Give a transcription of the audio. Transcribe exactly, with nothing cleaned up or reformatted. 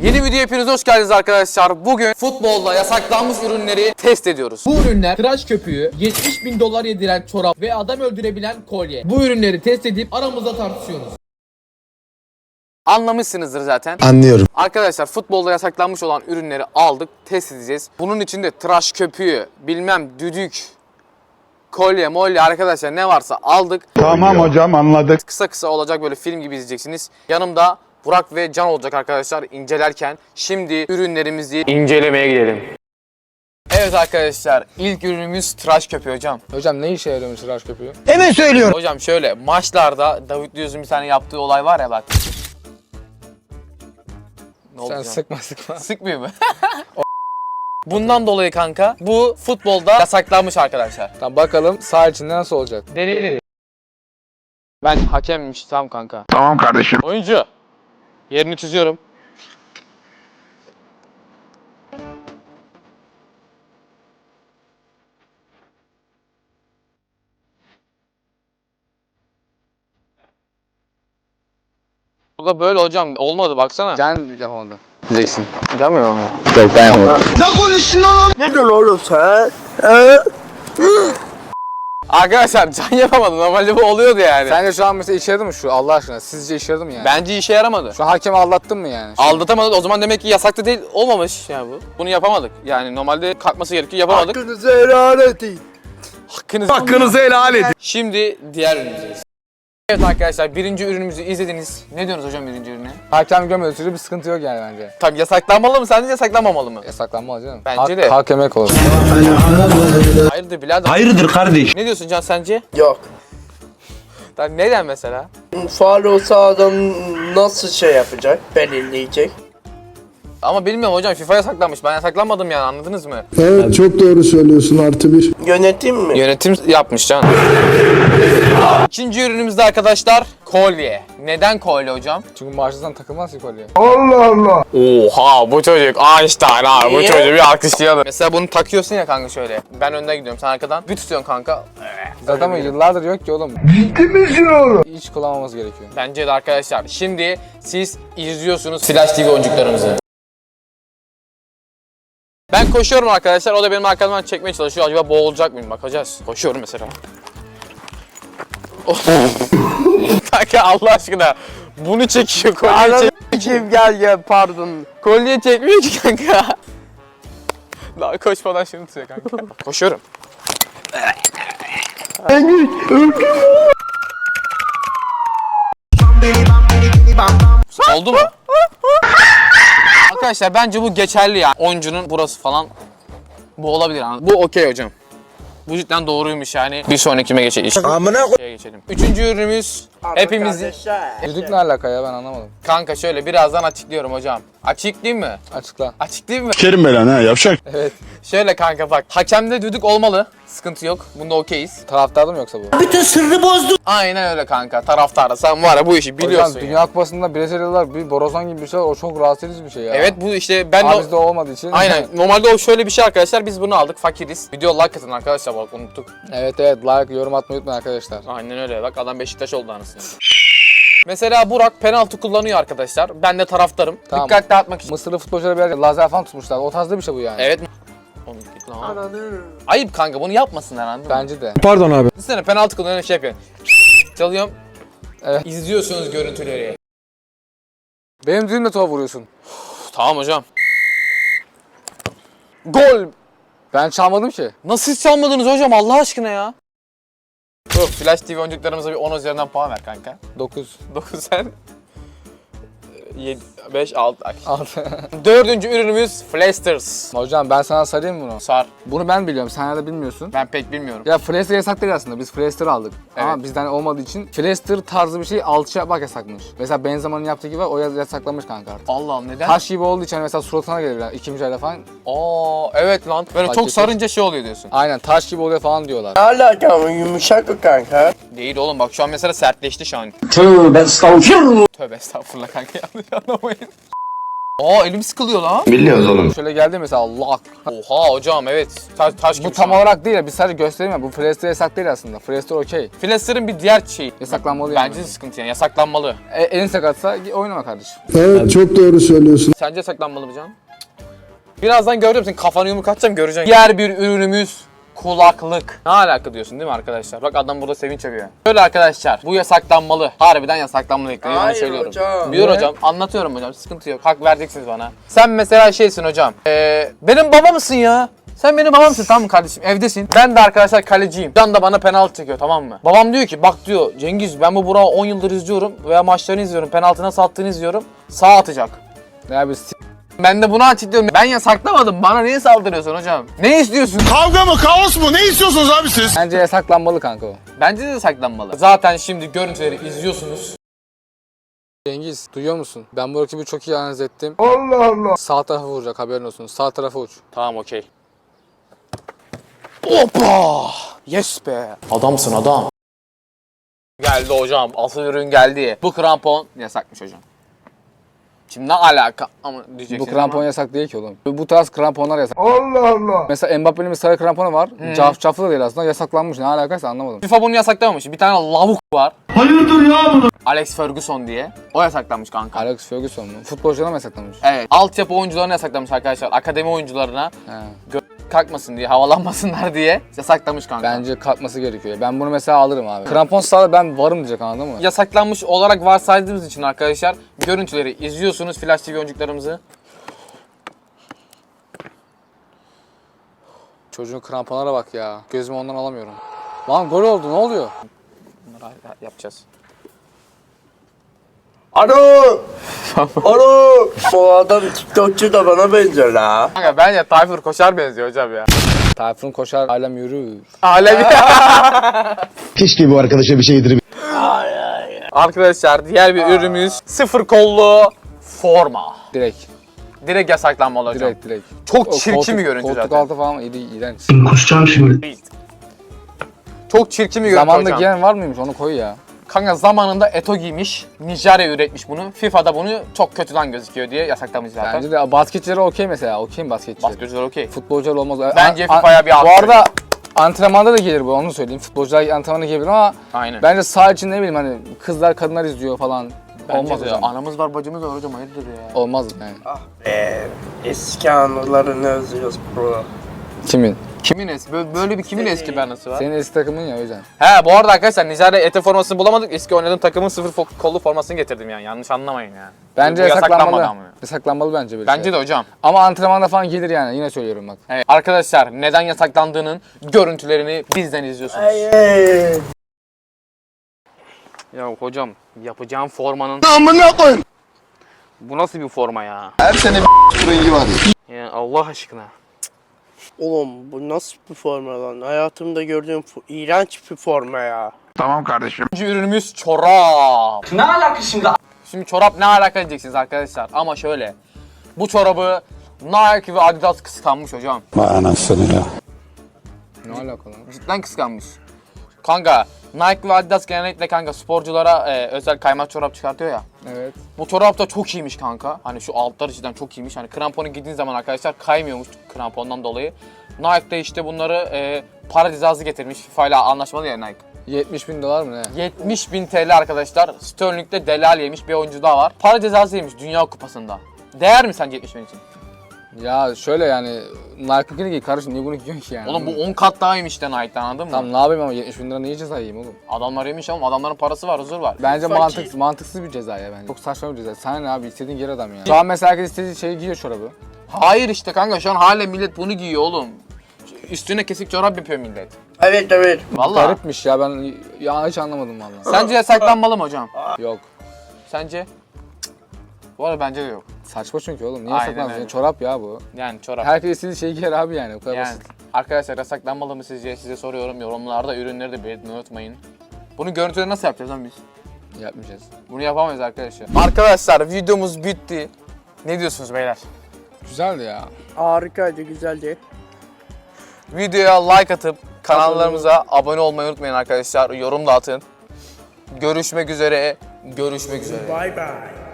Yeni videoya hepiniz hoş geldiniz arkadaşlar. Bugün futbolda yasaklanmış ürünleri test ediyoruz. Bu ürünler tıraş köpüğü, yetmiş bin dolar yediren çorap ve adam öldürebilen kolye. Bu ürünleri test edip aramızda tartışıyoruz. Anlamışsınızdır zaten. Anlıyorum. Arkadaşlar futbolda yasaklanmış olan ürünleri aldık, test edeceğiz. Bunun içinde tıraş köpüğü, bilmem düdük, kolye, molye arkadaşlar ne varsa aldık. Tamam hocam, anladık. Kısa kısa olacak, böyle film gibi izleyeceksiniz. Yanımda Burak ve Can olacak arkadaşlar incelerken. Şimdi ürünlerimizi incelemeye gidelim. Evet arkadaşlar, ilk ürünümüz tıraş köpüğü hocam. Hocam ne işe yarıyormuş tıraş köpüğü? Hemen söylüyorum. Hocam şöyle, maçlarda David Luiz'in bir tane yaptığı olay var ya bak. Ne oldu Sen canım? sıkma sıkma. Sıkmıyor mu? Bundan dolayı kanka bu futbolda yasaklanmış arkadaşlar. Tamam bakalım saha içinde nasıl olacak? Deneyelim. Ben hakemmiş tamam kanka. Tamam kardeşim. Oyuncu. Yerini çiziyorum. Bu da böyle hocam olmadı baksana. Can yapamadı. Diyeceksin. Yapmıyor mu? Yok, ben yapmadım. Arkadaşlar Can yapamadı. Normalde bu oluyordu yani. Sence şu an mesela işe yaradı mı şu Allah aşkına? Sizce işe yaradı mı yani? Bence işe yaramadı. Şu an hakemi aldattın mı yani? Aldatamadık. O zaman demek ki yasaklı değil, olmamış yani bu. Bunu yapamadık. Yani normalde kalkması gerekiyor, yapamadık. Hakkınızı helal edin. Hakkınızı, Hakkınızı helal edin. Şimdi diğer ürünümüzdeyiz. Evet arkadaşlar, birinci ürünümüzü izlediniz. Ne diyorsunuz hocam birinci ürüne? Hakem görmediği sürece bir sıkıntı yok yani bence. Tabii yasaklanmalı mı sence, yasaklanmamalı mı? Yasaklanmalı canım. Bence Hak- de. Hak yemek olur. Hayırdır birader? Hayırdır kardeş? Ne diyorsun Can sence? Yok. Lan neden mesela? Faal olsa adam nasıl şey yapacak? Belirleyecek. Ama bilmiyorum hocam, FIFA yasaklanmış. Ben yasaklanmadım yani, anladınız mı? Evet, çok doğru söylüyorsun, artı bir. Yönetim mi? Yönetim yapmış Can. İkinci ürünümüzde arkadaşlar kolye. Neden kolye hocam? Çünkü maaşlıdan takılmaz ki kolye. Oha, bu çocuk Einstein abi, bu Niye? çocuğu bir alkışlayalım. Mesela bunu takıyorsun ya kanka şöyle. Ben önden gidiyorum, sen arkadan. Bir tutuyorsun kanka. Zaten ama yıllardır yok ki oğlum. Ciddi misin oğlum? Hiç kullanmamız gerekiyor. Bence de arkadaşlar. Şimdi siz izliyorsunuz Flash T V oyuncuklarımızı. Ben koşuyorum arkadaşlar, o da benim arkamdan çekmeye çalışıyor. Acaba boğulacak mıyım? Bakacağız. Koşuyorum mesela. Kanka Allah aşkına. Bunu çekiyor, kolye çek. Kim gel gel pardon. Kolye çekmiyor ki kanka. Daha koşmadan şunu tutuyor kanka. Koşuyorum. Oldu mu? Arkadaşlar bence bu geçerli yani. Oyuncunun burası falan bu olabilir. Bu okey hocam. Bu cidden doğruymuş yani. Bir sonrakime geçelim. Amına Şeye geçelim. Üçüncü ürünümüz hepimizi... Düdük ne alaka ya ben anlamadım. Kanka şöyle birazdan açıklıyorum hocam. Açıklayayım mı? Açıkla. Açıklayayım mı? Kerim belan ha, yavşak. Evet. Şöyle kanka bak. Hakemde düdük olmalı. Sıkıntı yok. Bunda okeyiz. Taraftarda mı yoksa bu? Aynen öyle kanka. Taraftarda sen var ya bu işi biliyorsun Hocam ya. Dünya Kupası'nda Brezilyalılar bir borazan gibi bir şey var. O çok rahatsız edici bir şey ya. Evet bu işte ben Ama de... bizde olmadığı için. Aynen. Normalde o şöyle bir şey arkadaşlar. Biz bunu aldık. Fakiriz. Video like atın arkadaşlar, bak unuttuk. Evet evet like yorum atmayı unutmayın arkadaşlar. Aynen öyle. Bak adam Beşiktaş oldu anasını. Mesela Burak penaltı kullanıyor arkadaşlar. Ben de taraftarım. Tamam. Dikkat dağıtmak için. Mısırlı futbolculara bir yer lazer falan tutmuşlar. O tarzda bir şey bu yani. Evet. Oğlum git lan. Ayıp kanka, bunu yapmasınlar anladın mı? Bence de. Pardon abi. Düşünsene penaltı kullanıyor, şey yapıyor. Çalıyorum. Evet. İzliyorsunuz görüntüleri. Benim düğümle topa vuruyorsun. Tamam hocam. Gol. Ben çalmadım ki. Nasıl hiç çalmadınız hocam Allah aşkına ya? Yok, Flash T V oyuncuklarımıza bir on üzerinden puan ver kanka. dokuz. dokuz sen. yedi, beş, altı. altı. Dördüncü ürünümüz Flasters. Hocam ben sana sarayım bunu. Sar. Bunu ben biliyorum. Sen de bilmiyorsun. Ben pek bilmiyorum. Ya Flaster yasak değil aslında. Biz Flaster aldık. Ama Evet. bizden olmadığı için Flaster tarzı bir şey alçı yapmak yasakmış. Mesela Benzema'nın yaptığı gibi o yasaklamış kanka artık. Allah'ım neden? Taş gibi olduğu için mesela suratına gelir yani iki mücadele falan. Aa evet lan. Böyle Fark çok ettim. sarınca şey oluyor diyorsun. Aynen taş gibi oluyor falan diyorlar. Ne alaka ama yumuşak o kanka. Değil oğlum, bak şu an mesela sertleşti şu an. Tövbe estağfurullah. Tövbe estağfurullah kanka, yanlış anlamayın. Aa elim sıkılıyor lan. Biliyoruz oğlum. Şöyle geldi mesela Allah. Oha hocam evet. Taş, taş gibi Bu şu tam an. olarak değil, biz sadece göstereyim ya. Bu Freestyler yasak değil aslında. Freestyler okey. Flasher'ın bir diğer şeyi. Yasaklanmalı yani. Bence de sıkıntı yani yasaklanmalı. E, elin sakatsa oynama kardeşim. Evet çok doğru söylüyorsun. Sence yasaklanmalı mı Can? Birazdan göreceğim senin kafanı yumruk atacağım göreceksin. Diğer bir ürünümüz kulaklık. Ne alaka diyorsun değil mi arkadaşlar? Bak adam burada sevinç yapıyor. Böyle arkadaşlar bu yasaklanmalı. Harbiden yasaklanmalı. Yani Hayır söylüyorum. hocam. Biliyorum Ne? hocam. Anlatıyorum hocam. Sıkıntı yok. Hak vereceksiniz bana. Sen mesela şeysin hocam. Ee, benim baba mısın ya? Sen benim babamsın tamam mı kardeşim? Evdesin. Ben de arkadaşlar kaleciyim. Can da bana penaltı çekiyor tamam mı? Babam diyor ki bak diyor Cengiz ben bu Burak'ı on yıldır izliyorum veya maçlarını izliyorum. Penaltı nasıl attığını izliyorum. Sağ atacak. Ya biz Ben de bunu açıklıyorum. Ben yasaklamadım. Bana niye saldırıyorsun hocam? Ne istiyorsun? Kavga mı kaos mu ne istiyorsunuz abi siz? bence yasaklanmalı kanka o. Bence de saklanmalı. Zaten şimdi görüntüleri izliyorsunuz. Cengiz duyuyor musun? Ben bu rakibi çok iyi analiz ettim. Allah Allah. Sağ tarafa vuracak haberin olsun. Sağ tarafa uç. Tamam okey. Hoppa! Yes be! Adamsın adam. Geldi hocam. Asıl ürün geldi. Bu krampon yasakmış hocam. Şimdi ne alaka ama diyeceksin Bu krampon ama. yasak değil ki oğlum. Bu tarz kramponlar yasak. Allah Allah. Mesela Mbappe'nin bir sarı kramponu var. Caf caflı da değil aslında. Yasaklanmış. Ne alakaysa anlamadım. FIFA bunu yasaklamamış. Bir tane lavuk var. Hayırdır ya bunu? Alex Ferguson diye. O yasaklanmış kanka. Alex Ferguson mu? Futbolculara mı yasaklamış? Evet. Altyapı oyuncularına yasaklamış arkadaşlar. Akademi oyuncularına He. kalkmasın diye, havalanmasınlar diye yasaklamış kanka. Bence kalkması gerekiyor. Ben bunu mesela alırım abi. Krampon sağda ben varım diyecek anladın mı? Yasaklanmış olarak varsaydığımız için arkadaşlar görüntüleri izliyorsunuz Flash T V oyuncuklarımızı. Çocuğun kramponlara bak ya. Gözümü ondan alamıyorum. Lan gol oldu ne oluyor? Bunları yapacağız. Alo. Alo. Bu adam TikTokçu da bana benziyor la. Kanka bence Tayfur Koşar benziyor hocam ya. Tayfun koşar alem yürür. Alevi. Keşke bu arkadaşa bir şey yedirip Arkadaşlar diğer bir ürünümüz sıfır kollu forma. Direkt. Direkt yasaklanmalı hocam. Direkt direkt. Çok O çirkin koltuk- bir görüntü koltuk zaten. altı falan iyi, iğrenç. kusacağım şimdi. Çok çirkin bir görüntü Zamanında hocam. giyen var mıymış onu koy ya. Kanka zamanında Eto giymiş. Nijerya üretmiş bunu. FIFA'da bunu çok kötü lan gözüküyor diye yasaklamış zaten. Bence de basketçilere okey mesela. Okey mi basketçiler? Basketçiler okey. Futbolcular olmaz. Bence A- a- FIFA'ya bir Bu alt arada antrenmanda da gelir bu onu söyleyeyim. Futbolcular antrenmanda giyebilir ama Aynen. bence saha için ne bileyim hani kızlar kadınlar izliyor falan. Bence Olmaz de. hocam. Anamız var bacımız var hocam hayırdır ya. Olmaz yani. Ah be. Eski anılarını özlüyoruz bro. Kimin? Kimin eski? Böyle, böyle bir kimin Senin. eski bir anısı var? Senin eski takımın ya o yüzden. He bu arada arkadaşlar Nijerya Eto formasını bulamadık. Eski oynadığım takımın sıfır fo- kollu formasını getirdim yani. Yanlış anlamayın yani. Bence Bu yasaklanmalı. ama. Yasaklanmalı bence böyle Bence şeyler. de hocam. Ama antrenmanda falan gelir yani yine söylüyorum bak. Evet. Arkadaşlar neden yasaklandığının görüntülerini bizden izliyorsunuz. Hayır. Ya hocam yapacağım formanın... Amına koyayım. Bu nasıl bir forma ya? Her sene bir rengi var. Ya Allah aşkına. Oğlum bu nasıl bir forma lan? Hayatımda gördüğüm fo- iğrenç bir forma ya. Tamam kardeşim. İkinci ürünümüz çorap. Ne alaka şimdi? Şimdi çorap ne alaka diyeceksiniz arkadaşlar ama şöyle. Bu çorabı Nike ve Adidas kıskanmış hocam. Vay anasını ya. Ne alakalı? Cidden kıskanmış. Kanka Nike ve Adidas genellikle kanka sporculara e, özel kaymak çorap çıkartıyor ya. Evet. Bu çorap da çok iyiymiş kanka. Hani şu altları cidden çok iyiymiş. Hani kramponu giydiğin zaman arkadaşlar kaymıyormuş krampondan dolayı. Nike de işte bunları e, para cezası getirmiş. FIFA ile anlaşmalı ya Nike. yetmiş bin dolar mı ne? yetmiş bin T L arkadaşlar. Sterling'de delal yemiş bir oyuncu daha var. Para cezası yemiş Dünya Kupası'nda. Değer mi sence yetmiş bin için? Ya şöyle yani Nike'ınkini giy kardeşim niye bunu giyiyorsun ki yani? Oğlum bu on kat daha iyiymiş de Nike'dan anladın mı? Tamam ne yapayım ama yetmiş bin lira niye ceza yiyeyim oğlum? Adamlar yemiş ama adamların parası var, huzur var. Bence Fakir. mantıksız, mantıksız bir ceza ya bence. Çok saçma bir ceza. Sana ne abi istediğin yer adam ya. Şu an mesela herkes istediği şeyi giyiyor çorabı. Hayır işte kanka şu an hala millet bunu giyiyor oğlum. Üstüne kesik çorap yapıyor millet. Evet evet. Vallahi. Garipmiş ya ben ya hiç anlamadım vallahi. Sence yasaklanmalı mı hocam? Yok. Sence? Bu arada bence de yok. Saçma çünkü oğlum. Niye Aynen saklansın? öyle. Ya, çorap ya bu. Yani çorap. Herkes istediği şeyi giyer abi yani. O kadar Yani basit. arkadaşlar yasaklanmalı mı sizce? Size soruyorum. Yorumlarda ürünleri de belirtmeyi unutmayın. Bunu görüntüleri nasıl yapacağız lan biz? Yapmayacağız. Bunu yapamayız arkadaşlar. Arkadaşlar videomuz bitti. Ne diyorsunuz beyler? Güzeldi ya. Harikaydı, güzeldi. Videoya like atıp kanallarımıza abone olmayı unutmayın arkadaşlar. Yorum da atın. Görüşmek üzere. Görüşmek üzere. Bye bye.